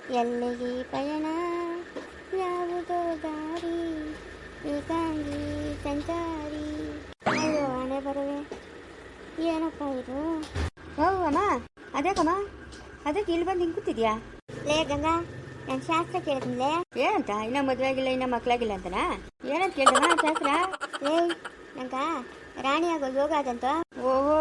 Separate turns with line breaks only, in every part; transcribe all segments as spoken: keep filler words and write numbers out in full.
ಎಲ್ಲಿಗೆ ಪಯಣ ಯಾವುದೋ ದಾರಿ ಏಕಾಂಗಿ ಸಂಚಾರಿ. ಅಯ್ಯೋ ಹಣೆ ಬರವೆ, ಏನಪ್ಪ ಇದು?
ಓ ಅಮ್ಮ, ಅದೇಕಮ್ಮ, ಅದಕ್ಕೆ ಇಲ್ಲಿ ಬಂದು ಹಿಂಗೆ ಕೂತಿದ್ಯಾ?
ಲೇ ಗಂಗಾ, ನಾನು ಶಾಸ್ತ್ರ ಕೇಳಿದ್ನಿಲೇ.
ಏನಂತ? ಇನ್ನ ಮದುವೆ ಆಗಿಲ್ಲ, ಇನ್ನ ಮಕ್ಕಳಾಗಿಲ್ಲ ಅಂತನಾ? ಏನಂತ ಕೇಳ್ದಮ್ಮ ಶಾಸ್ತ್ರ?
ಲೇ ನಂಗ ರಾಣಿ ಆಗೋ ಯೋಗ ಅದಂತ.
ಓಹೋ,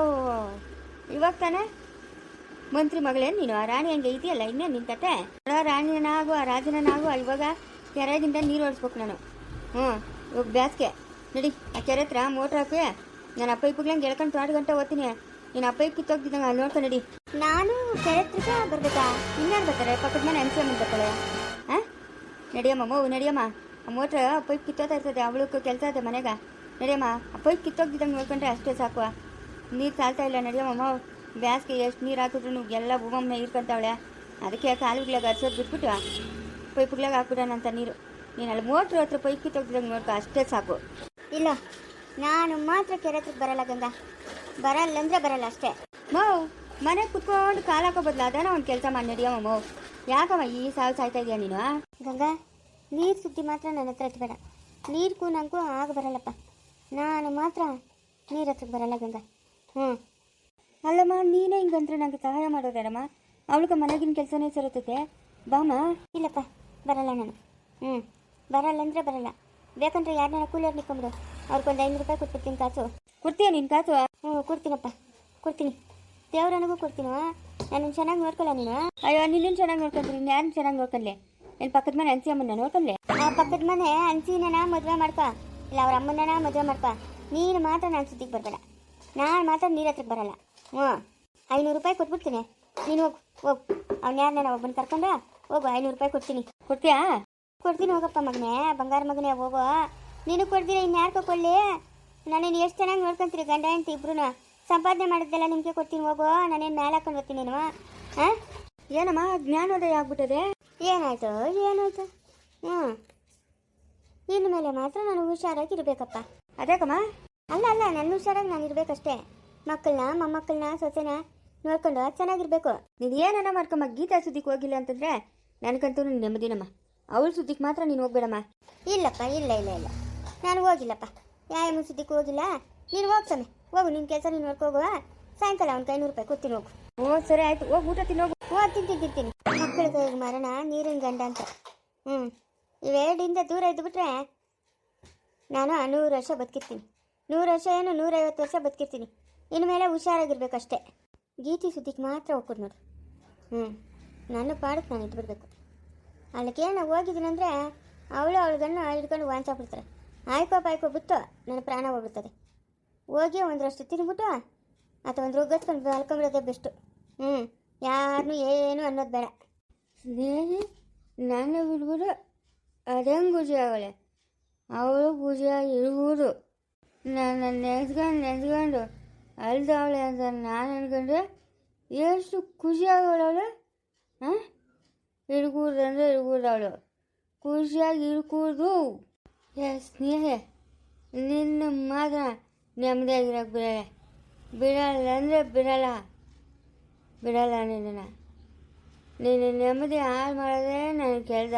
ಇವಾಗ ತಾನೆ ಮಂತ್ರಿ ಮಗಳೇನು ನೀನು? ಆ ರಾಣಿ ಹಂಗೆ ಇದೆಯಲ್ಲ, ಇನ್ನೇನು ನಿನ್ ಕತೆ? ರಾಣಿಯನಾಗು ಆ ರಾಜನನಾಗು, ಇವಾಗ ಕೆರೆಗಿಂತ ನೀರು ಓಡಿಸ್ಬೇಕು ನಾನು. ಹ್ಞೂ, ಇವಾಗ ಬ್ಯಾಸ್ಗೆ ನಡಿ, ಆ ಕೆರೆ ಹತ್ರ ಮೋಟ್ರ್ ಹಾಕಿ ನಾನು ಅಪ್ಪ ಇಪ್ಪಗ್ಲಂಗೆ ಎಳ್ಕೊಂಡು ತೋಟ ಗಂಟೆ ಓದ್ತೀನಿ. ನೀನು ಅಪ್ಪ ಇಪ್ಪಿ ಕಿತ್ತೋಗ್ತಿದ್ದಂಗೆ ಅಲ್ಲಿ ನೋಡ್ಕೊಂಡು ನಡಿ.
ನಾನು ಕೆರೆ ಹತ್ರಕ್ಕೆ ಬರ್ಬೇಕಾ?
ಇನ್ಯಾರು ಬರ್ತಾರೆ? ಪಕ್ಕದ ಮನೆ ಅನ್ಸಿ ಅಮ್ಮ ಬರ್ತಾಳೆ. ಹಾಂ, ನಡಿಯಮ್ಮ ಮಗು, ನಡಿಯಮ್ಮ. ಆ ಮೋಟ್ರ್ ಪೈಪ್ ಕಿತ್ತೋತಾ ಇರ್ತದೆ, ಅವಳಕ್ಕೆ ಕೆಲಸ ಇದೆ ಮನೆಗೆ. ನಡಿಯಮ್ಮ, ಆ ಪೈಪ್ ಕಿತ್ತೋಗ್ತಿದ್ದಂಗೆ ನೋಡ್ಕೊಂಡ್ರೆ ಅಷ್ಟೇ ಸಾಕು. ನೀರು ಸಾಲ್ತಾ ಇಲ್ಲ, ನಡಿಯಮ್ಮ ಮಗು. ಬ್ಯಾಸ್ಗೆ ಎಷ್ಟು ನೀರು ಹಾಕಿದ್ರು ಎಲ್ಲ ಭೂಮಮ್ಮನ ಇರ್ಕೊಂತಾವಳೆ. ಅದಕ್ಕೆ ಕಾಲುಗಳಾಗ ಹರ್ಸೋದು ಬಿಟ್ಬಿಟ್ಟು ಪೈಪ್ಗಳಾಗ ಹಾಕ್ಬಿಡೋಣಂತ ನೀರು. ನೀನು ಅಲ್ಲಿ ಮೋಟ್ರ್ ಹತ್ರ ಪೈಪ್ ಕಿತ್ತೋಗ್ತಿದ್ದಂಗೆ ನೋಡ್ಕೊ, ಅಷ್ಟೇ ಸಾಕು.
ಇಲ್ಲ, ನಾನು ಮಾತ್ರ ಕೆರೆ ಹತ್ರಕ್ಕೆ ಬರಲ್ಲ ಗಂಗಾ. ಬರಲ್ಲ ಅಂದರೆ ಬರಲ್ಲ ಅಷ್ಟೇ.
ಮೌ, ಮನೆಗೆ ಕುತ್ಕೊಂಡು ಕಾಲು ಹಾಕೋ ಬದಲು ಅದೇನೋ ಒಂದು ಕೆಲಸ ಮಾಡಿ ನಡಿಯಮ್ಮ ಮೌ. ಯಾಕಮ್ಮ ಈ ಸಾವು ಸಾಯ್ತಾ ಇದೆಯಾ ನೀನು?
ಗಂಗಾ, ನೀರು ಸುದ್ದಿ ಮಾತ್ರ ನನ್ನ ಹತ್ರ ಎತ್ಬೇಡ. ನೀರು ನಂಗೂ ಆಗ ಬರಲ್ಲಪ್ಪ. ನಾನು ಮಾತ್ರ ನೀರು ಹತ್ರಕ್ಕೆ ಬರಲ್ಲ ಗಂಗಾ. ಹ್ಞೂ,
ಅಲ್ಲಮ್ಮ, ನೀನೇ ಹಿಂಗಂದ್ರೆ ನನಗೆ ಸಹಾಯ ಮಾಡೋದೇನಮ್ಮ? ಅವಳಿಗೆ ಮನೆಗಿನ ಕೆಲಸನೇ ಸರುತ್ತೈತೆ. ಬಾಮ್ಮ.
ಇಲ್ಲಪ್ಪ, ಬರಲ್ಲ ನಾನು. ಹ್ಞೂ, ಬರಲ್ಲ ಅಂದರೆ ಬರಲ್ಲ. ಬೇಕಂದ್ರೆ ಯಾರನ್ನ ಕೂಲಿಯವ್ರು ನಿಕ್ಕೊಂಬಿಡು, ಅವ್ರಿಗೊಂದು ಐನೂರು ರೂಪಾಯಿ ಕೊಟ್ಬಿಡ್ತೀನಿ ಕಾಸು.
ಕೊಡ್ತೀಯ ನೀನು ಕಾಸು?
ಹ್ಞೂ, ಕೊಡ್ತೀನಪ್ಪ, ಕೊಡ್ತೀನಿ. ದೇವ್ರನಿಗೂ ಕೊಡ್ತೀನೋ. ನಾನು ಚೆನ್ನಾಗಿ ನೋಡ್ಕೊಳ್ಳ ನೀನು.
ಅಯ್ಯೋ, ನಿನ್ನ ಚೆನ್ನಾಗಿ ನೋಡ್ಕೊಂಡ್ರಿ, ಯಾರು ಚೆನ್ನಾಗಿ ನೋಡ್ಕೊಂಡ್ಲೆ? ಇಲ್ಲಿ ಪಕ್ಕದ ಮನೆ ಅನ್ಸಿ ಅಮ್ಮನ ನೋಡ್ಕೊಂಡ್ಲೆ?
ಆ ಪಕ್ಕದ ಮನೆ ಅನ್ಸಿನ ಮದುವೆ ಮಾಡ್ಕೊ, ಇಲ್ಲ ಅವ್ರ ಅಮ್ಮನ ಮದುವೆ ಮಾಡ್ಕೊ. ನೀನು ಮಾತ್ರ ನಾನು ಸುದ್ದಿಗೆ ಬರಬೇಡ. ನಾನು ಮಾತ್ರ ನೀರು ಹತ್ರಕ್ಕೆ ಬರಲ್ಲ. ಹ್ಞೂ, ಐನೂರು ರೂಪಾಯಿ ಕೊಟ್ಬಿಡ್ತೀನಿ. ನೀನು ಹೋಗು ಹೋಗು, ಅವ್ನು ಯಾರನ್ನ ಒಬ್ಬನ ಕರ್ಕೊಂಡು ಹೋಗು. ಐನೂರು ರೂಪಾಯಿ ಕೊಡ್ತೀನಿ.
ಕೊಡ್ತೀಯಾ?
ಕೊಡ್ತೀನಿ, ಹೋಗಪ್ಪ ಮಗನೇ, ಬಂಗಾರ ಮಗನೇ, ಹೋಗೋ. ನೀನು ಕೊಡ್ತೀನಿ, ಇನ್ನು ಯಾರು ಕೊಳ್ಳಿ? ನಾನೇನು ಎಷ್ಟು ಚೆನ್ನಾಗಿ ನೋಡ್ಕೊಂತೀರಿ ಗಂಡ ಹೆಂಡ್ತಿ ಇಬ್ರು. ಸಂಪಾದನೆ ಮಾಡಿದ್ದೆಲ್ಲ ನಿಮಗೆ ಕೊಡ್ತೀನಿ, ಹೋಗೋ. ನಾನೇನು ಮೇಲೆ ಹಾಕೊಂಡು ಬರ್ತೀನಿ ನೀನು. ಹಾಂ,
ಏನಮ್ಮ ಜ್ಞಾನೋದಯ ಆಗ್ಬಿಟ್ಟದೆ?
ಏನಾಯ್ತು ಏನಾಯ್ತು? ಹ್ಞೂ, ಇನ್ನು ಮೇಲೆ ಮಾತ್ರ ನಾನು ಹುಷಾರಾಗಿರ್ಬೇಕಪ್ಪ.
ಅದೇಕಮ್ಮ?
ಅಲ್ಲ ಅಲ್ಲ, ನನ್ನ ಹುಷಾರಾಗಿ ನಾನು ಇರಬೇಕಷ್ಟೇ. ಮಕ್ಕಳನ್ನ ಮೊಮ್ಮಕ್ಕಳನ್ನ ಸೊಸೆನ ನೋಡ್ಕೊಂಡು ಚೆನ್ನಾಗಿರ್ಬೇಕು.
ನೀನು ಏನನ್ನ ಮಾಡ್ಕಮ್ಮ, ಗೀತಾ ಸುದ್ದಿಗೆ ಹೋಗಿಲ್ಲ ಅಂತಂದ್ರೆ ನನಗಂತೂ ನೆಮ್ಮದಿನಮ್ಮ. ಅವಳ ಸುದ್ದಿಗೆ ಮಾತ್ರ ನೀನು ಹೋಗ್ಬೇಡಮ್ಮ.
ಇಲ್ಲಪ್ಪ, ಇಲ್ಲ ಇಲ್ಲ ಇಲ್ಲ, ನಾನು ಹೋಗಿಲ್ಲಪ್ಪ. ಯಾವ ಸುದ್ದಿಗೆ ಹೋಗಿಲ್ಲ. ನೀನು ಹೋಗ್ತಾನೆ, ಹೋಗು, ನಿನ್ನ ಕೆಲಸ ನೀನು ನೋಡ್ಕೋಗುವ. ಸಾಯಂಕಾಲ ಅವ್ನಿಗೆ ಐನೂರು ರೂಪಾಯಿ ಕೊಡ್ತೀನಿ, ಹೋಗು.
ಓ ಸರಿ ಆಯ್ತು, ಹೋಗಿ ಊಟ ತಿನ್ನೋಗು.
ಹ್ಞೂ, ತಿಂತೀನಿ ತಿಂತೀನಿ. ಮಕ್ಕಳ ಕೈಗೆ ಮರಣ, ನೀರಿನ ಗಂಡ ಅಂತ. ಹ್ಞೂ, ಇವೆರಡಿಂದ ದೂರ ಇದ್ದುಬಿಟ್ರೆ ನಾನು ನೂರು ವರ್ಷ ಬದುಕಿರ್ತೀನಿ. ನೂರು ವರ್ಷ ಏನು ನೂರೈವತ್ತು ವರ್ಷ ಬದುಕಿರ್ತೀನಿ. ಇನ್ನು ಮೇಲೆ ಹುಷಾರಾಗಿರ್ಬೇಕಷ್ಟೇ. ಗೀತಿ ಸುದ್ದಿಗೆ ಮಾತ್ರ ಹೋಗ್ಕೊಡು ನೋಡು. ಹ್ಞೂ, ನನ್ನ ಪಾಡಕ್ಕೆ ನಾನು ಇಟ್ಬಿಡ್ಬೇಕು. ಅಲ್ಲಿಗೆ ನಾವು ಹೋಗಿದ್ದೀನಂದರೆ ಅವಳು ಅವಳ ಗಣ್ಣು ಹಿಡ್ಕೊಂಡು ವಾಂಚಾಕ್ಬಿಡ್ತಾರೆ. ಆಯ್ಕೋ ಪಾಯ್ಕೋ ಬಿಟ್ಟು ನನ್ನ ಪ್ರಾಣ ಹೋಗ್ಬಿಡ್ತದೆ. ಹೋಗಿ ಒಂದರಷ್ಟು ತಿನ್ಬಿಟ್ಟು ಅಥವಾ ಒಂದು ರುಗ್ಗಸ್ಕೊಂಡು ಮಲ್ಕೊಂಬಿಡೋದೇ ಬೆಸ್ಟು. ಹ್ಞೂ, ಯಾರನ್ನೂ ಏನು ಅನ್ನೋದು ಬೇಡ.
ಸ್ನೇಹಿ ನನ್ನ ಬಿಡ್ಬಿಡು, ಅದಂಗೆ ಖುಷಿ ಆಗಳೆ. ಅವಳು ಖುಷಿಯಾಗಿ ಇರ್ಬೋದು. ನನ್ನ ನೆನೆಸ್ಕೊಂಡು ನೆನೆಸ್ಕೊಂಡು ಅಲ್ದವಳೆ ಅಂತ ನಾನು ಅನ್ಕೊಂಡ್ರೆ ಎಷ್ಟು ಖುಷಿ ಆಗೋಳವಳು. ಹಾಂ, ಇರ್ಕೂಡ್ದು ಅಂದರೆ ಇರ್ಕೂಡ್ದು, ಅವಳು ಖುಷಿಯಾಗಿ ಇರ್ಕೂಡ್ದು. ಏ ಸ್ನೇಹ, ನಿನ್ನ ಮಾತ್ರ ನೆಮ್ಮದಿಯಾಗಿರೋಕೆ ಬಿಡಲ್ಲ. ಬಿಡಲ್ಲ ಅಂದರೆ ಬಿಡಲ್ಲ ಬಿಡಲ್ಲ ನಿನ್ನ ನೀನು ನೆಮ್ಮದಿ ಹಾಳು ಮಾಡೋದೇ ನನಗೆ ಕೆಲಸ.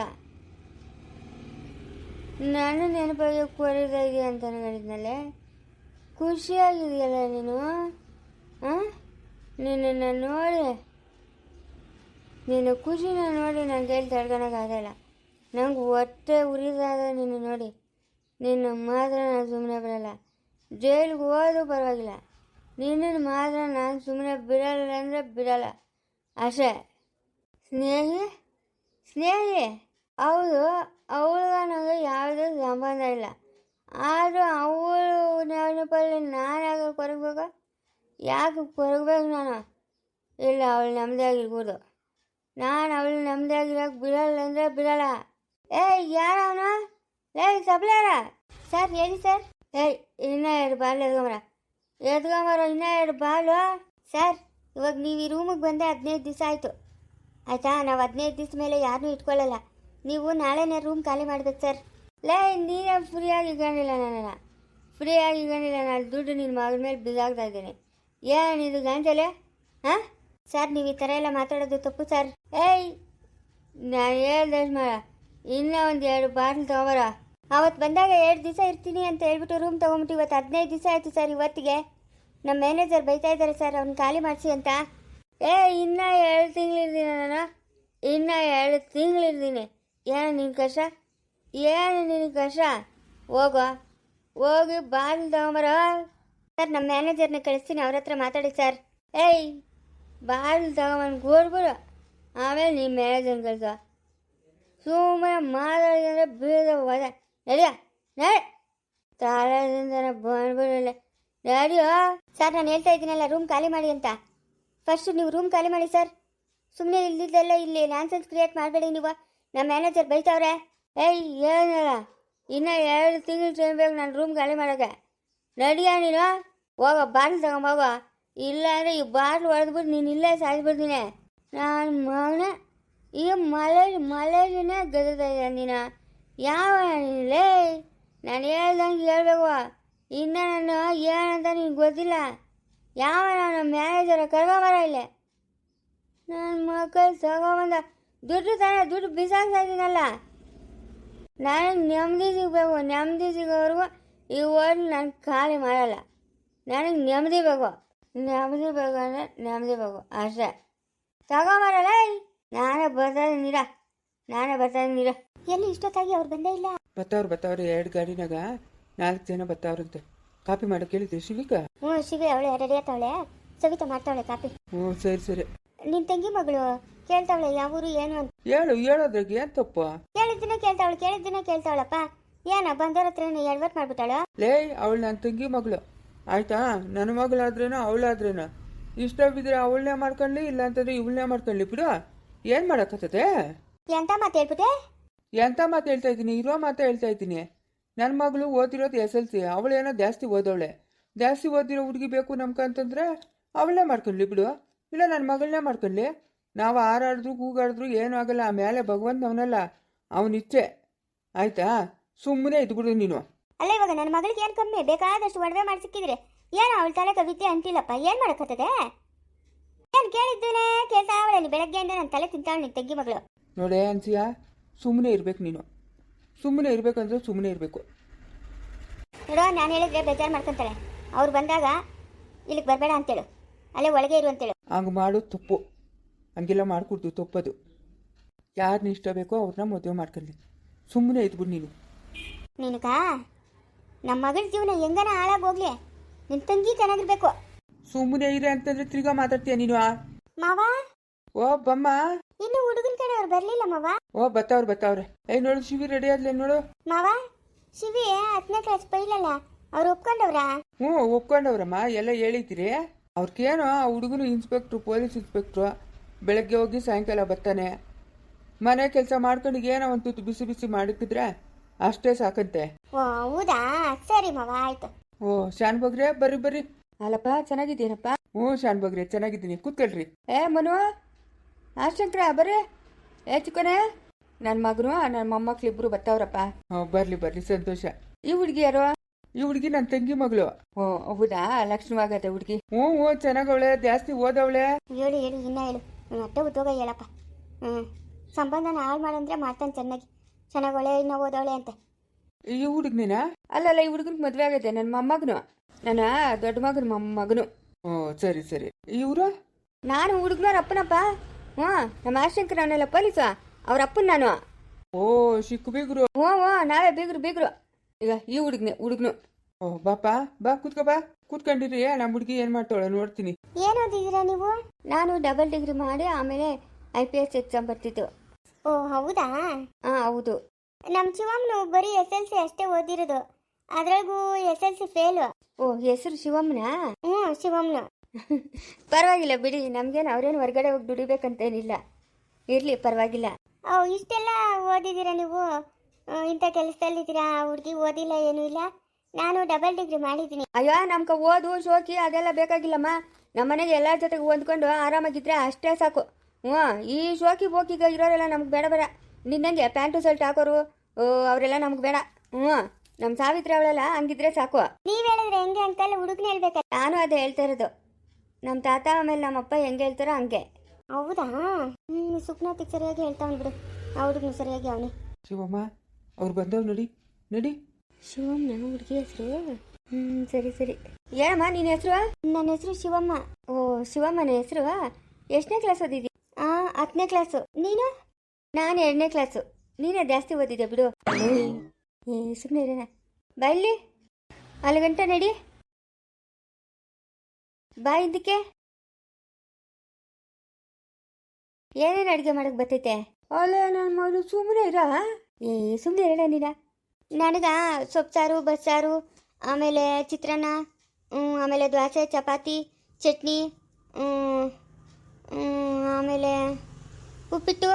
ನಾನು ನೆನಪಾಗಿ ಕೊರಿದಾಗಿ ಅಂತ ಅನ್ಕೊಂಡಿದ್ನಲ್ಲೇ. ಖುಷಿಯಾಗಿದೆಯಲ್ಲ ನೀನು. ಹಾಂ, ನಿನ್ನನ್ನು ನೋಡಿ, ನಿನ್ನ ಖುಷಿನ ನೋಡಿ ನನ್ನ ಕೈಲಿ ತಡ್ಕೊಳಕ್ಕಾಗಲ್ಲ. ನಂಗೆ ಹೊಟ್ಟೆ ಉರಿದಾದ ನಿನ್ನ ನೋಡಿ. ನಿನ್ನ ಮಾತ್ರ ನಾನು ಸುಮ್ಮನೆ ಬಿಡಲ್ಲ. ಜೈಲಿಗೆ ಹೋದ್ರೂ ಪರವಾಗಿಲ್ಲ, ನಿನ್ನನ್ನು ಮಾತ್ರ ನಾನು ಸುಮ್ಮನೆ ಬಿಡಲ್ಲ ಅಂದರೆ ಬಿಡಲ್ಲ ಅಷ್ಟೇ. ಸ್ನೇಹಿ ಸ್ನೇಹಿ ಹೌದು, ಅವಳಿಗೆ ನನಗೆ ಯಾವುದೇ ಸಂಬಂಧ ಇಲ್ಲ. ಆದರೂ ಅವಳು ನೆನಪಲ್ಲಿ ನಾನು ಯಾಕೆ ಕೊರಗಬೇಕು? ಯಾಕೆ ಕೊರಗಬೇಕು ನಾನು? ಇಲ್ಲ, ಅವಳು ನೆಮ್ಮದಿಯಾಗಿರ್ಬೋದು. ನಾನು ಅವಳು ನೆಮ್ಮದಿಯಾಗಿರೋಕೆ ಬಿಡಲ್ಲ ಅಂದರೆ ಬಿಡಲ್ಲ. ಏಯ್, ಯಾರವನು? ಏಯ್ ಸಪ್ಲಾರ.
ಸರ್ ಹೇಳಿ ಸರ್.
ಏಯ್, ಇನ್ನೂ ಎರಡು ಬಾಲ್ ಎದ್ಕೊಂಬರ ಎದ್ಕೊಂಬರ ಇನ್ನೂ ಎರಡು ಬಾಲು.
ಸರ್, ಇವಾಗ ನೀವು ಈ ರೂಮಿಗೆ ಬಂದೆ ಹದಿನೈದು ದಿವಸ ಆಯಿತು ಆಯಿತಾ? ನಾವು ಹದಿನೈದು ದಿವಸ ಮೇಲೆ ಯಾರನ್ನೂ ಇಟ್ಕೊಳ್ಳಲ್ಲ. ನೀವು ನಾಳೆನೇ ರೂಮ್ ಖಾಲಿ ಮಾಡ್ಬೇಕು ಸರ್.
ಲೇ, ನೀನೇ ಫ್ರೀಯಾಗಿ ಇಟ್ಕೊಂಡಿಲ್ಲ, ನನ್ನನ್ನು ಫ್ರೀಯಾಗಿ ಇಟ್ಕೊಂಡಿಲ್ಲ. ನಾನು ದುಡ್ಡು ನಿನ್ನ ಮಗಳ ಮೇಲೆ ಬಿದ್ದಾಗ್ತಾ ಇದ್ದೀನಿ. ಏನಿದು ಗಾಂಜಲೆ? ಹಾಂ
ಸರ್, ನೀವು ಈ ಥರ ಎಲ್ಲ ಮಾತಾಡೋದು ತಪ್ಪು ಸರ್.
ಏಯ್, ನಾನು ಹೇಳ್ದಷ್ಟು ಮಾಡ ಇನ್ನೂ ಒಂದು ಎರಡು ಬಾಟ್ಲ್ ತೊಗೊಬರ.
ಅವತ್ತು ಬಂದಾಗ ಎರಡು ದಿವಸ ಇರ್ತೀನಿ ಅಂತ ಹೇಳ್ಬಿಟ್ಟು ರೂಮ್ ತೊಗೊಂಬಿಟ್ಟು ಇವತ್ತು ಹದಿನೈದು ದಿವಸ ಆಯಿತು ಸರ್. ಇವತ್ತಿಗೆ ನಮ್ಮ ಮ್ಯಾನೇಜರ್ ಬೈತಾ ಇದ್ದಾರೆ ಸರ್ ಅವ್ನು ಖಾಲಿ ಮಾಡಿಸಿ ಅಂತ.
ಏ ಇನ್ನೂ ಎರಡು ತಿಂಗಳಿರ್ತೀನಿ ನಾನು, ಇನ್ನೂ ಎರಡು ತಿಂಗಳಿರ್ತೀನಿ. ಏನು ನಿನ್ನ ಕಷ್ಟ, ಏನು ನಿನ್ನ ಕಷ್ಟ? ಹೋಗೋ, ಹೋಗಿ ಬಾಗಿಲು ತಗೊಂಬರ.
ಸರ್ ನಮ್ಮ ಮ್ಯಾನೇಜರ್ನ ಕಳಿಸ್ತೀನಿ, ಅವ್ರ ಹತ್ರ ಮಾತಾಡಿ ಸರ್.
ಏಯ್ ಬಾಗಿಲು ತಗೊಂಬಂದು ಕೂಡ್ಬಿಡು, ಆಮೇಲೆ ನಿಮ್ಮ ಮ್ಯಾನೇಜರ್ನ ಕಳ್ಸ. ಸುಮ್ಮನೆ ಮಾತಾಡಿದ್ರೆ ಬೀಳದ ಹೋದ. ನಡಿಯ ನಡೆ, ತಾಳದಿಂದ ಬಂದ್ಬಿಡಲ್ಲ. ನಡಿಯೋ.
ಸರ್ ನಾನು ಹೇಳ್ತಾ ಇದ್ದೀನಲ್ಲ ರೂಮ್ ಖಾಲಿ ಮಾಡಿ ಅಂತ. ಫಸ್ಟ್ ನೀವು ರೂಮ್ ಖಾಲಿ ಮಾಡಿ ಸರ್. ಸುಮ್ಮನೆ ಇಲ್ದಿದ್ದೆಲ್ಲ ಇಲ್ಲಿ ನ್ಯಾನ್ಸೆನ್ಸ್ ಕ್ರಿಯೇಟ್ ಮಾಡಬೇಡಿ ನೀವು. ನಮ್ಮ ಮ್ಯಾನೇಜರ್ ಬೈತಾವ್ರೆ.
ಏಯ್ ಏನಲ್ಲ, ಇನ್ನೂ ಎರಡು ತಿಂಗಳು ಟೈಮ್ ಬೇಕು ನಾನು ರೂಮ್ ಖಾಲಿ ಮಾಡೋಕ್ಕೆ. ನಡಿಯ ನೀನು, ಹೋಗೋ ಬಾಟ್ಲು ತಗೊಂಬೋಗೋ. ಇಲ್ಲ ಅಂದರೆ ಈ ಬಾಟ್ಲು ಹೊಡೆದ್ಬಿಟ್ಟು ನೀನು ಇಲ್ಲೇ ಸಾಯಿಸ್ಬಿಡ್ತೀನಿ. ನಾನು ಮಗನ ಈ ಮಲೆ ಮಲೆನೇ ಗದದ ನೀನು ಯಾವ ನೀನಲೇ? ನಾನು ಹೇಳ್ದಂಗೆ ಹೇಳ್ಬೇಕು. ಇನ್ನು ನಾನು ಏನಂತ ನಿನ್ಗೆ ಗೊತ್ತಿಲ್ಲ. ಯಾವ ನಾನು ಮ್ಯಾನೇಜರ ಕರ್ಕೊಂಬರ ಇಲ್ಲೇ. ನನ್ನ ಮಕ್ಕಳು ತಗೊಂಬಂದ ದುಡ್ಡು ತಾನೇ, ದುಡ್ಡು ಬಿಸಾಕ್ತಾ ಇದ್ದೀನಲ್ಲ. ನನಗೆ ನೆಮ್ಮದಿ ಸಿಗಬೇಕು. ನೆಮ್ಮದಿ ಸಿಗೋವರೆಗೂ ಈ ಹೋಟ್ಲು ನಾನು ಖಾಲಿ ಮಾಡಲ್ಲ. ನನಗೆ ನೆಮ್ಮದಿ ಬೇಕು. ನೆಮ್ಮದಿ ಬೇಕು ಅಂದರೆ ನೆಮ್ಮದಿ ಬೇಕು ಅಷ್ಟೇ. ತಗೊಂಬರಲ್ಲ. ನಾನೇ ಬರ್ತಾ ಇದ್ದೀನಿರ, ನಾನೇ ಬರ್ತಾ ಇದ್ದೀನಿರ.
ಎಲ್ಲಿ ಇಷ್ಟೊತ್ತಾಗಿ ಅವ್ರು ಬಂದೇ ಇಲ್ಲ.
ಬತ್ತವ್ರು ಬತ್ತವ್ರು ಎರಡು ಗಾಡಿನಾಗ ನಾಲ್ಕು ಜನ ಬತ್ತವ್ರಂತೆ. ಕಾಪಿ ಮಾಡೋಕೆ ಹೇಳಿದ್ದೆ ಶಿವಿಕ?
ಹ್ಞೂ ಶಿವಿ ಅವಳೆ ರೆಡಿ ಆತಾವಳೆ. ಸವಿತಾ ಮಾಡ್ತಾವಳೆ ಕಾಪಿ.
ಹ್ಞೂ ಸರಿ ಸರಿ.
ನಿನ್ನ ತಂಗಿ ಮಗಳು ಕೇಳ್ತಾವಳೆ ಯಾವ ಊರು ಏನು ಅಂತ.
ಹೇಳು, ಹೇಳೋದ್ರಾಗ ಏನು ತಪ್ಪು?
ಕೇಳಿದ್ದನ್ನ ಕೇಳ್ತಾವಳು, ಕೇಳಿದ್ದನ್ನ ಕೇಳ್ತಾವಳಪ್ಪ. ಏನ ಬಂದವ್ರ ಹತ್ರ ಎಡ್ವರ್ಟ್ ಮಾಡ್ಬಿಟ್ಟಾಳ.
ಲೇ, ಅವಳು ನನ್ನ ತಂಗಿ ಮಗಳು ಆಯ್ತಾ? ನನ್ನ ಮಗಳಾದ್ರೇನೋ ಅವಳಾದ್ರೇನೋ ಇಷ್ಟ ಬಿದ್ದರೆ ಅವಳನ್ನೇ ಮಾಡ್ಕೊಳ್ಳಿ, ಇಲ್ಲ ಅಂತಂದ್ರೆ ಇವಳನ್ನೇ ಮಾಡ್ಕೊಳ್ಳಿ ಬಿಡು. ಏನು ಮಾಡೋಕ್ಕತ್ತದೆ?
ಎಂತ ಮಾತು ಹೇಳ್ಬಿಟ್ಟೆ?
ಎಂಥ ಮಾತು ಹೇಳ್ತಾ ಇದ್ದೀನಿ, ಇರೋ ಮಾತು ಹೇಳ್ತಾ ಇದ್ದೀನಿ. ನನ್ನ ಮಗಳು ಓದಿರೋದು ಎಸ್ ಎಲ್ ಸಿ, ಅವಳೇನೋ ಜಾಸ್ತಿ ಓದವಳೆ. ಜಾಸ್ತಿ ಓದಿರೋ ಹುಡುಗಿ ಬೇಕು ನಮ್ಕಂತಂದ್ರೆ ಅವಳನ್ನೇ ಮಾಡ್ಕೊಳ್ಳಿ ಬಿಡು, ಇಲ್ಲ ನನ್ನ ಮಗಳನ್ನೇ ಮಾಡ್ಕೊಳ್ಳಿ. ನಾವು ಹಾರಾಡಿದ್ರು ಕೂಗಾಡಿದ್ರು ಏನೂ ಆಗಲ್ಲ. ಆಮೇಲೆ ಭಗವಂತ ಅವನಲ್ಲ, ಅವನಿಚ್ಛೆ ಆಯ್ತಾ? ಸುಮ್ಮನೆ ಇದ್ಬಿಡು ನೀನು.
ಅಲ್ಲ ಇವಾಗ ನನ್ನ ಮಗಳಿಗೆ ಏನು ಕಮ್ಮಿ? ಬೇಕಾದಷ್ಟು ಒಡವೆ ಮಾಡಿ ಸಿಕ್ಕಿದ್ರೆ ಏನು ಅವಳ ತಲೆ ಕವಿತೆ ಅಂತಿಲ್ಲಪ್ಪ. ಏನು ಮಾಡೋಕ್ಕತ್ತದೆ? ಏನು ಕೇಳಿದ್ದೇನೆ ಕೇಳ್ತಾ ಅವಳೆ ಬೆಳಗ್ಗೆಯಿಂದ ನನ್ನ ತಲೆ ತಿಂತಾವಳು ನಿನ್ನ ತಂಗಿ ಮಗಳು.
ನೋಡೇ ಅನ್ಸಿಯಾ, ಸುಮ್ಮನೆ ಇರ್ಬೇಕು ನೀನು. ಸುಮ್ಮನೆ ಇರ್ಬೇಕಂದ್ರೆ ಸುಮ್ಮನೆ ಇರಬೇಕು.
ನೋಡೋ ನಾನು ಹೇಳಿದ್ರೆ ಬೇಜಾರು ಮಾಡ್ಕೊತಾಳೆ. ಅವ್ರು ಬಂದಾಗ ಇಲ್ಲಿಗೆ ಬರಬೇಡ ಅಂತೇಳು, ಅಲ್ಲೇ ಒಳಗೆ ಇರು ಅಂತೇಳು.
ಹಂಗೆ ಮಾಡೋದು ತಪ್ಪು, ಹಂಗೆಲ್ಲ ಮಾಡ್ಕೊಡ್ತು ತಪ್ಪದು. ಯಾರನ್ನ ಇಷ್ಟ ಬೇಕೋ ಅವ್ರನ್ನ ಮದುವೆ ಮಾಡ್ಕೊಳ್ಳಿ. ಸುಮ್ಮನೆ ಇದ್ಬಿಡು ನೀನು.
ನಿನಗ ನಮ್ಮ ಮಗಳ ಜೀವನ ಹೆಂಗನ ಹಾಳಾಗೋಗ್ಲಿ, ನಿನ್ನ ತಂಗಿ ಚೆನ್ನಾಗಿರ್ಬೇಕು.
ಸುಮ್ಮನೆ ಇರೆ ಅಂತಂದ್ರೆ ತಿರ್ಗಾ ಮಾತಾಡ್ತೀಯ ನೀನು.
ಮಾವ,
ಓ ಬಮ್ಮ.
ಇನ್ನು ಹುಡುಗನ ಕಡೆ ಅವ್ರು ಬರ್ಲಿಲ್ಲ ಮಾವ.
ಓ ಬತ್ತವ್ರು ಬತ್ತವ್ರೆ. ಏಯ್ ನೋಡು ಶಿವಿ ರೆಡಿ ಆದ್ಲೆ ನೋಡು.
ಮಾವ, ಶಿವಿ ಹತ್ತನೇ ಕ್ಲಾಸ್ ಬೈಲಲ್ಲ, ಅವ್ರು ಒಪ್ಕೊಂಡವ್ರಾ?
ಹ್ಞೂ ಒಪ್ಕೊಂಡವ್ರಮ್ಮ, ಎಲ್ಲ ಹೇಳಿದ್ದೀರಿ. ಅವ್ರಿಗೇನೋ ಆ ಹುಡುಗನು ಇನ್ಸ್ಪೆಕ್ಟ್ರು, ಪೊಲೀಸ್ ಇನ್ಸ್ಪೆಕ್ಟ್ರು. ಬೆಳಗ್ಗೆ ಹೋಗಿ ಸಾಯಂಕಾಲ ಬರ್ತಾನೆ. ಮನೆ ಕೆಲಸ ಮಾಡ್ಕೊಂಡು ಏನೋ ಒಂದು ತುತ್ತು ಬಿಸಿ ಬಿಸಿ ಮಾಡಿಕಿದ್ರೆ ಅಷ್ಟೇ ಸಾಕಂತೆ.
ಓ ಹೌದಾ, ಸರಿ ಮಾವ ಆಯ್ತು.
ಓ ಶಾನ್ ಬಗ್ರೆ, ಬರ್ರಿ ಬರ್ರಿ.
ಅಲ್ಲಪ್ಪ ಚೆನ್ನಾಗಿದ್ದೀನಪ್ಪ.
ಹ್ಞೂ ಶಾನ್ ಬಗ್ರೆ ಚೆನ್ನಾಗಿದ್ದೀನಿ, ಕೂತ್ಕೊಳ್ರಿ.
ಏ ಮನು, ಆ ಶಂಕರ ಬರ್ರಿ. ಏ ಚಿಕ್ಕನೆ, ನನ್ನ ಮಗನು ನನ್ನ ಮೊಮ್ಮಕ್ಳಿಬ್ರು ಬತ್ತವ್ರಪ್ಪ.
ಹ್ಞೂ ಬರ್ಲಿ ಬರ್ಲಿ, ಸಂತೋಷ.
ಈ ಹುಡುಗಿ ಯಾರು?
ಈ ಹುಡುಗಿ ನನ್ನ ತಂಗಿ ಮಗಳು.
ಓ ಹೌದಾ, ಲಕ್ಷಣವಾಗತ್ತೆ ಹುಡುಗಿ.
ಹ್ಞೂ ಹ್ಞೂ ಚೆನ್ನಾಗವಳೆ, ಜಾಸ್ತಿ ಓದವಳೆ.
ಹೇಳು ಹೇಳು ಇನ್ನ ಹೇಳು. ಹ್ಞೂ ಅತ್ತೆ ಉದ್ಯೋಗ ಹೇಳಪ್ಪ. ಹ್ಞೂ ಸಂಬಂಧನ ಹಾಳು ಮಾಡಂದ್ರೆ ಮಾಡ್ತಾನೆ ಚೆನ್ನಾಗಿ. ಚೆನ್ನಾಗಿ ಒಳ್ಳೆ ಇನ್ನ ಓದವಳೆ ಅಂತ.
ಈ ಹುಡುಗನೇನ?
ಅಲ್ಲಲ್ಲ, ಈ ಹುಡುಗನಿಗೆ ಮದುವೆ ಆಗೈತೆ. ನನ್ನ ಮೊಮ್ಮಗನು, ನನ್ನ ದೊಡ್ಡ ಮಗನ ಮೊಮ್ಮಗನು.
ಓ ಸರಿ ಸರಿ. ಇವರು?
ನಾನು ಹುಡುಗನವ್ರ ಅಪ್ಪನಪ್ಪ. ಹ್ಞೂ ನಮ್ಮ ಆಶಂಕರ ಅವನೆಲ್ಲ ಪೊಲೀಸು, ಅವ್ರ ಅಪ್ಪನ ನಾನು.
ಓ ಚಿಕ್ಕ ಬೀಗ್ರು.
ಹ್ಞೂ ಹ್ಞೂ ನಾವೇ ಬೀಗ್ರು ಬೀಗ್ರು. ಈಗ ಈ ಹುಡುಗನೆ ಹುಡುಗನು.
ಓ ಬಾಪ ಬಾ ಕೂತ್ಕೋ, ಬಾ ಕೂತ್ಕೊಂಡಿರಿ. ನಮ್ಮ ಹುಡುಗಿ ಏನು ಮಾಡ್ತಾಳೆ ನೋಡ್ತೀನಿ.
ಏನು ಓದಿದ್ದೀರಾ ನೀವು?
ನಾನು ಡಬಲ್ ಡಿಗ್ರಿ ಮಾಡಿ ಆಮೇಲೆ ಐ ಪಿ ಎಸ್ ಎಕ್ಸಾಮ್ ಬರ್ತಿತ್ತು.
ಓ ಹೌದಾ?
ಹಾಂ ಹೌದು.
ನಮ್ಮ ಶಿವಮ್ಮನು ಬರೀ ಎಸ್ ಎಲ್ ಸಿ ಅಷ್ಟೇ ಓದಿರೋದು, ಅದ್ರಾಗೂ ಎಸ್ ಎಲ್ ಸಿ ಫೇಲು.
ಓ ಹೆಸರು ಶಿವಮ್ಮನ?
ಹ್ಞೂ ಶಿವಮ್ಮನು.
ಪರವಾಗಿಲ್ಲ ಬಿಡಿ, ನಮಗೇನು ಅವ್ರೇನು ಹೊರಗಡೆ ಹೋಗಿ ದುಡಿಬೇಕಂತೇನಿಲ್ಲ. ಇರಲಿ ಪರವಾಗಿಲ್ಲ.
ಓ ಇಷ್ಟೆಲ್ಲ ಓದಿದ್ದೀರಾ ನೀವು? ಇಂಥ ಕೆಲಸದಲ್ಲಿದ್ದೀರಾ? ಹುಡುಗಿ ಓದಿಲ್ಲ ಏನೂ ಇಲ್ಲ. ನಾನು ಡಬಲ್ ಡಿಗ್ರಿ ಮಾಡಿದ್ದೀನಿ.
ಅಯ್ಯೋ ನಮ್ಗೆ ಓದು ಶೋಕಿ ಅದೆಲ್ಲ ಬೇಕಾಗಿಲ್ಲಮ್ಮ. ನಮ್ಮ ಮನೆಗೆ ಎಲ್ಲರ ಜೊತೆಗೆ ಹೊಂದ್ಕೊಂಡು ಆರಾಮಾಗಿದ್ರೆ ಅಷ್ಟೇ ಸಾಕು. ಹ್ಞೂ ಈ ಶೋಕಿ ಬೋಕಿಗ ಇರೋರೆಲ್ಲ ನಮ್ಗೆ ಬೇಡ ಬೇಡ. ನಿನ್ನಂಗೆ ಪ್ಯಾಂಟು ಶರ್ಟ್ ಹಾಕೋರು ಅವರೆಲ್ಲ ನಮ್ಗೆ ಬೇಡ. ಹ್ಞೂ ನಮ್ಮ ಸಾವಿತ್ರಿ ಅವಳೆಲ್ಲ ಹಂಗಿದ್ರೆ ಸಾಕು.
ನೀವು ಹೇಳಿದ್ರೆ ಹೆಂಗೆ ಅಂಕಲ್? ಹುಡುಗನ ಹೇಳ್ಬೇಕಲ್ಲ.
ನಾನು ಅದೇ ಹೇಳ್ತಾ ಇರೋದು. ನಮ್ಮ ತಾತ ಆಮೇಲೆ ನಮ್ಮಪ್ಪ ಹೆಂಗೆ ಹೇಳ್ತಾರೋ ಹಂಗೆ.
ಹೌದಾ ಹ್ಞೂ ಸುಪ್ನಾತಿಗೆ ಸರಿಯಾಗಿ ಹೇಳ್ತಾವನು ಬಿಡು ಆ ಹುಡುಗನು ಸರಿಯಾಗಿ ಅವನೇ.
ಶಿವಮ್ಮ ಅವ್ರು ಬಂದವ್ ನಡಿ ನಡಿ.
ಶಿವಮ್ಮ ಹುಡುಗಿ ಹೆಸರು? ಹ್ಞೂ ಸರಿ ಸರಿ. ಏನಮ್ಮ ನಿನ್ನ ಹೆಸರು?
ನನ್ನ ಹೆಸರು ಶಿವಮ್ಮ.
ಓ ಶಿವಮ್ಮನ ಹೆಸರು. ಎಷ್ಟನೇ ಕ್ಲಾಸ್ ಓದಿದ್ದಿ?
ಹಾಂ ಹತ್ತನೇ ಕ್ಲಾಸು. ನೀನು?
ನಾನು ಎರಡನೇ ಕ್ಲಾಸು. ನೀನೇ ಜಾಸ್ತಿ ಓದಿದ್ದೆ ಬಿಡು. ಏ ಸುಮ್ಮನೆ ಇರೋಣ ಬಾ ಇಲ್ಲಿ. ಅಲ್ಲಿ ಗಂಟ ನಡಿ ಬಾ ಇದಕ್ಕೆ. ಏನೇನು ಅಡುಗೆ ಮಾಡಕ್ಕೆ ಬರ್ತೈತೆ? ಅಲ್ಲ ನನ್ನ ಮಗಳು ಸುಮ್ಮನೆ ಇರ. ಏ ಸುಮ್ಮನೆ ಇರೋಣ ನೀನ.
ನನಗೆ ಸೊಪ್ಪು ಸಾರು ಬಸ್ಸಾರು ಆಮೇಲೆ ಚಿತ್ರಾನ್ನ ಹ್ಮ್, ಆಮೇಲೆ ದೋಸೆ ಚಪಾತಿ ಚಟ್ನಿ ಹ್ಮ್, ಹ್ಮ್, ಆಮೇಲೆ ಉಪ್ಪಿಟ್ಟು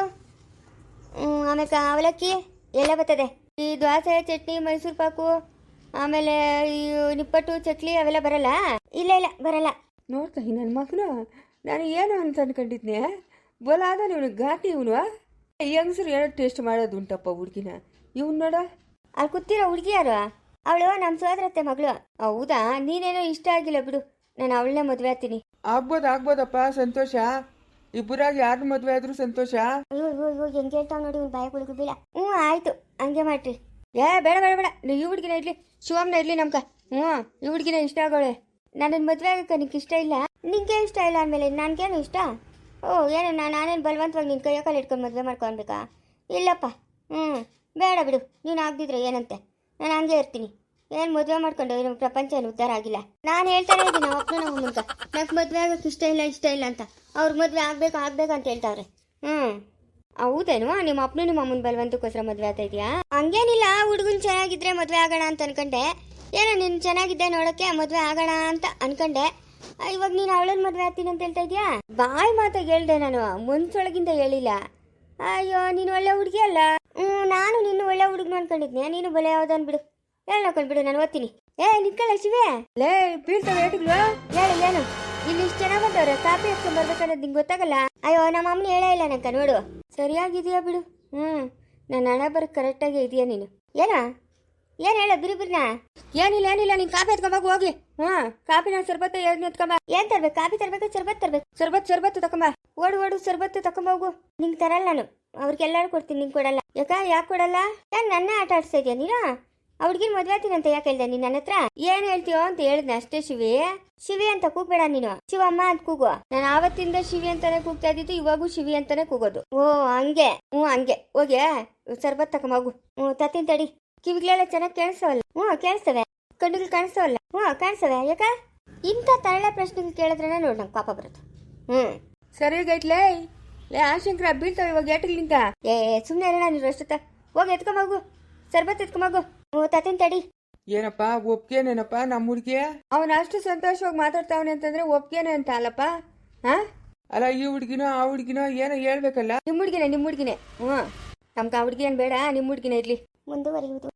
ಹ್ಮ್, ಆಮೇಲೆ ಕ- ಅವಲಕ್ಕಿ ಎಲ್ಲ ಬರ್ತದೆ. ಈ ದೋಸೆ ಚಟ್ನಿ ಮೈಸೂರು ಪಾಕು ಆಮೇಲೆ ಈ ನಿಪ್ಪಟ್ಟು ಚಕ್ಲಿ ಅವೆಲ್ಲ ಬರಲ್ಲ? ಇಲ್ಲ ಇಲ್ಲ ಬರಲ್ಲ.
ನೋಡ್ತಾ ನನ್ನ ಮಗನು ನಾನು ಏನು ಅಂತ ಅನ್ಕೊಂಡಿದ್ನೆ. ಬಲಾದ ಇವನು ಘಾಟಿ ಇವನು. ಹೆಂಗಸರು ಏನೋ ಟೇಸ್ಟ್ ಮಾಡೋದು ಉಂಟಪ್ಪ ಹುಡುಗಿನ. ಇವ್ನು ನೋಡ
ಅಲ್ಲಿ ಕೂತಿರೋ ಹುಡುಗಿ ಯಾರು? ಅವಳು ನಮ್ಮ ಸೋದರತ್ತೆ ಮಗಳು.
ಹೌದಾ? ನೀನೇನೋ ಇಷ್ಟ ಆಗಿಲ್ಲ ಬಿಡು, ನಾನು ಅವಳನ್ನೇ ಮದುವೆ ಆಗ್ತೀನಿ.
ಆಗ್ಬೋದು ಆಗ್ಬೋದಪ್ಪ, ಸಂತೋಷ. ಇಬ್ಬರಾಗಿ ಯಾರು ಮದುವೆ ಆದ್ರೂ ಸಂತೋಷ.
ಅಯ್ಯೋ ಅಯ್ಯೋ ಅಯ್ಯೋ ಹೆಂಗೆ ಹೇಳ್ತಾವ್ ನೋಡಿ ಇವ್ನು ಬಾಯಿ ಕುಳಿಗೂ ಬೀಳ. ಹ್ಞೂ ಆಯ್ತು ಹಂಗೆ ಮಾಡ್ರಿ.
ಏ ಬೇಡ ಬೇಡ ಬೇಡ, ನೀವು ಈ ಹುಡುಗಿನ ಇರಲಿ, ಶಿವಮ್ನ ಇರಲಿ ನಮ್ಕ. ಹ್ಞೂ ಈ ಹುಡುಗಿನ ಇಷ್ಟ ಆಗೋಳೆ.
ನನ್ನನ್ನು ಮದುವೆ ಆಗಕ್ಕೆ ನಿಂಗೆ ಇಷ್ಟ ಇಲ್ಲ? ನಿಂಗೆ ಇಷ್ಟ ಇಲ್ಲ ಅಂದಮೇಲೆ ನನಗೇನು ಇಷ್ಟ? ಓ ಏನು ನಾನು ನಾನೇನು ಬಲವಂತವಾಗಿ ನಿನ್ನ ಕೈಯ ಕಾಲು ಇಟ್ಕೊಂಡು ಮದುವೆ ಮಾಡ್ಕೊಳ್ಬೇಕಾ? ಇಲ್ಲಪ್ಪ. ಹ್ಞೂ ಬೇಡ ಬಿಡು, ನೀನು ಆಗದಿದ್ರೆ ಏನಂತೆ, ನಾನು ಹಂಗೆ ಇರ್ತೀನಿ. ಏನು ಮದುವೆ ಮಾಡ್ಕೊಂಡು ನಮ್ಮ ಪ್ರಪಂಚ ಏನು ಉದ್ಧಾರ ಆಗಿಲ್ಲ. ನಾನು ಹೇಳ್ತಾನೆ ಇದ್ದೀನಿ ನಮ್ಮ ಅಪ್ಪನ ನಮ್ಮ ಮುನ್ಕ ನಂಗೆ ಮದುವೆ ಆಗೋಕ್ಕೆ ಇಷ್ಟ ಇಲ್ಲ ಇಷ್ಟ ಇಲ್ಲ ಅಂತ. ಅವ್ರಿಗೆ ಮದುವೆ ಆಗಬೇಕು ಆಗಬೇಕು ಅಂತ ಹೇಳ್ತಾವ್ರೆ. ಹ್ಞೂ
ಹೌದೇನು? ನಿಮ್ಮ ಅಪ್ಪನು ನಿಮ್ಮ ಅಮ್ಮನ ಬಲವಂತಕ್ಕೋಸ್ಕರ ಮದುವೆ ಆಗ್ತಾ ಇದೆಯಾ?
ಹಂಗೇನಿಲ್ಲ, ಹುಡುಗನ್ ಚೆನ್ನಾಗಿದ್ರೆ ಮದುವೆ ಆಗೋಣ ಅಂತ ಅನ್ಕೊಂಡೆ. ಏನೋ ನೀನು ಚೆನ್ನಾಗಿದ್ದೆ ನೋಡೋಕ್ಕೆ ಮದುವೆ ಆಗೋಣ ಅಂತ ಅನ್ಕೊಂಡೆ. ಆ, ಇವಾಗ ನೀನು ಅವಳನ್ನ ಮದುವೆ ಆಗ್ತೀನಿ ಅಂತ ಹೇಳ್ತಾ ಇದೀಯಾ?
ಬಾಯಿ ಮಾತಾಗಿ ಹೇಳ್ದೆ ನಾನು, ಮನ್ಸೊಳಗಿಂದ ಹೇಳಿಲ್ಲ.
ಅಯ್ಯೋ ನೀನು ಒಳ್ಳೆ ಹುಡುಗಿ ಅಲ್ಲ. ಹ್ಞೂ ನಾನು ನಿನ್ನ ಒಳ್ಳೆ ಹುಡುಗನು ಅನ್ಕೊಂಡಿದ್ನೆ, ನೀನು ಬಲೆ ಯಾವ್ದು ಬಿಡು. ಹೇಳಿ ನೋಡ್ಕೊಂಡ್ಬಿಡು, ನಾನು ಓದ್ತೀನಿ. ಏ ನಿಕ್ಕಳ ಶಿವೆ,
ಲೇ ಬೀಳ್ತವೆ ಏಟುಗಳು.
ಹೇಳು ಏನು ಇಲ್ಲಿ ಇಷ್ಟು ಚೆನ್ನಾಗಿ ಬಂದವ್ರೆ, ಕಾಪಿ ಎತ್ಕೊಂಡ್ ಬರ್ಬೇಕನ್ನೋದು ನಿಂಗೆ ಗೊತ್ತಾಗಲ್ಲ? ಅಯ್ಯೋ ನಮ್ಮ ಅಮ್ಮನ ಹೇಳೇ ಇಲ್ಲ ನಂಕ ನೋಡು.
ಸರಿಯಾಗಿದೆಯಾ ಬಿಡು. ಹ್ಞೂ ನನ್ನ ಹಣ ಬರೋಕ್ಕೆ ಕರೆಕ್ಟಾಗಿ ಇದೆಯಾ ನೀನು?
ಏನೋ ಏನು ಹೇಳ ಬಿರಿ ಬಿರಿನಾ?
ಏನಿಲ್ಲ ಏನಿಲ್ಲ, ನೀನು ಕಾಪಿ ಎತ್ಕೊಂಬಾಗ ಹೋಗಿ. ಹಾಂ ಕಾಪಿನ ಸರ್ಬತ್ತ ಎರಡು ಎತ್ಕೊಂಬ.
ಏನು ತರ್ಬೇಕು? ಕಾಪಿ ತರ್ಬೇಕು ಸರ್ಬತ್ ತರ್ಬೇಕು?
ಸರ್ಬತ್ ಸರ್ಬತ್ತು ತಕೊಂಬ.
ಓಡು ಓಡು ಸರ್ಬತ್ತು ತಕೊಂಬೋಗು. ನಿಂಗೆ ತರಲ್ಲ ನಾನು, ಅವ್ರಿಗೆಲ್ಲರೂ ಕೊಡ್ತೀನಿ, ನಿಂಗೆ ಕೊಡಲ್ಲ. ಯಾಕ ಯಾಕೆ ಕೊಡಲ್ಲ? ಯಾಕೆ ನನ್ನ ಆಟ ಆಡಿಸ್ತಾ ಇದೆಯಾ ನೀನು? ಆ ಹುಡುಗಿನ ಮದುವೆ ಆಗ್ತೀನಿ ಅಂತ ಯಾಕೆ ಹೇಳ್ದೆ ನೀನು ನನ್ನ ಹತ್ರ?
ಏನು ಹೇಳ್ತೀಯೋ ಅಂತ ಹೇಳಿದ್ನ ಅಷ್ಟೇ. ಶಿವಿ
ಶಿವಿ ಅಂತ ಕೂಗ್ಬೇಡ ನೀನು, ಶಿವಮ್ಮ ಅಂತ ಕೂಗು.
ನಾನು ಆವತ್ತಿಂದ ಶಿವಿ ಅಂತಾನೆ ಕೂಗ್ತಾ ಇದ್ದಿದ್ದು, ಇವಾಗೂ ಶಿವಿ ಅಂತಾನೆ ಕೂಗೋದು.
ಓ ಹಂಗೆ?
ಹ್ಞೂ ಹಂಗೆ. ಹೋಗಿ ಸರ್ಬತ್ ತಕೊಂಬೋಗು.
ಹ್ಞೂ ತತ್ತೀನಿ ತಡಿ.
ಕಿವಿಗಳೆಲ್ಲ ಚೆನ್ನಾಗಿ ಕೇಳಿಸವಲ್ಲ?
ಹ್ಞೂ ಕೇಳಿಸ್ತವೆ.
ಕಣ್ಣುಗಳು ಕಾಣಿಸವಲ್ಲ?
ಹ್ಞೂ ಕಾಣಿಸ್ತವೆ. ಯಾಕ ಇಂಥ ತರಳೆ ಪ್ರಶ್ನೆಗಳು ಕೇಳಿದ್ರೆ ನೋಡಿ ನಂಗೆ ಪಾಪ ಬರುತ್ತೆ. ಹ್ಞೂ
ಸರಿಯಾಗೈತ್ಲೇ. ಲೇ ಆಶಂಕರ ಬೀಳ್ತಾವೆ ಇವಾಗ ಏಟುಗಳಿಂದ.
ಏ ಸುಮ್ಮನೆ ಇರೋಣ ನೀನು ಅಷ್ಟೊತ್ತ. ಹೋಗಿ ಎತ್ಕೊಂಬೋಗು, ಸರ್ಬತ್ ಎತ್ಕೊಂಬೋಗು. ಹ್ಞೂ ತತ್ತೀನಿ ತಡಿ.
ಏನಪ್ಪ ಒಪ್ಗೆನೇನಪ್ಪ ನಮ್ಮ ಹುಡುಗಿ?
ಅವನು ಅಷ್ಟು ಸಂತೋಷವಾಗಿ ಮಾತಾಡ್ತಾವನೆ ಅಂತಂದ್ರೆ ಒಪ್ಗೆನೆ ಅಂತ ಅಲ್ಲಪ್ಪ. ಹಾ
ಅಲ್ಲ ಈ ಹುಡುಗಿನೋ ಆ ಹುಡುಗಿನೋ ಏನೋ ಹೇಳ್ಬೇಕಲ್ಲ.
ನಿಮ್ಮ ಹುಡುಗಿನೇ ನಿಮ್ಮ ಹುಡುಗಿನೇ. ಹ್ಞೂ ನಮ್ಗೆ ಆ ಹುಡುಗಿ ಏನು ಬೇಡ, ನಿಮ್ಮ ಹುಡುಗಿನೇ ಇರಲಿ.
ಮುಂದುವರಿಯುವುದು.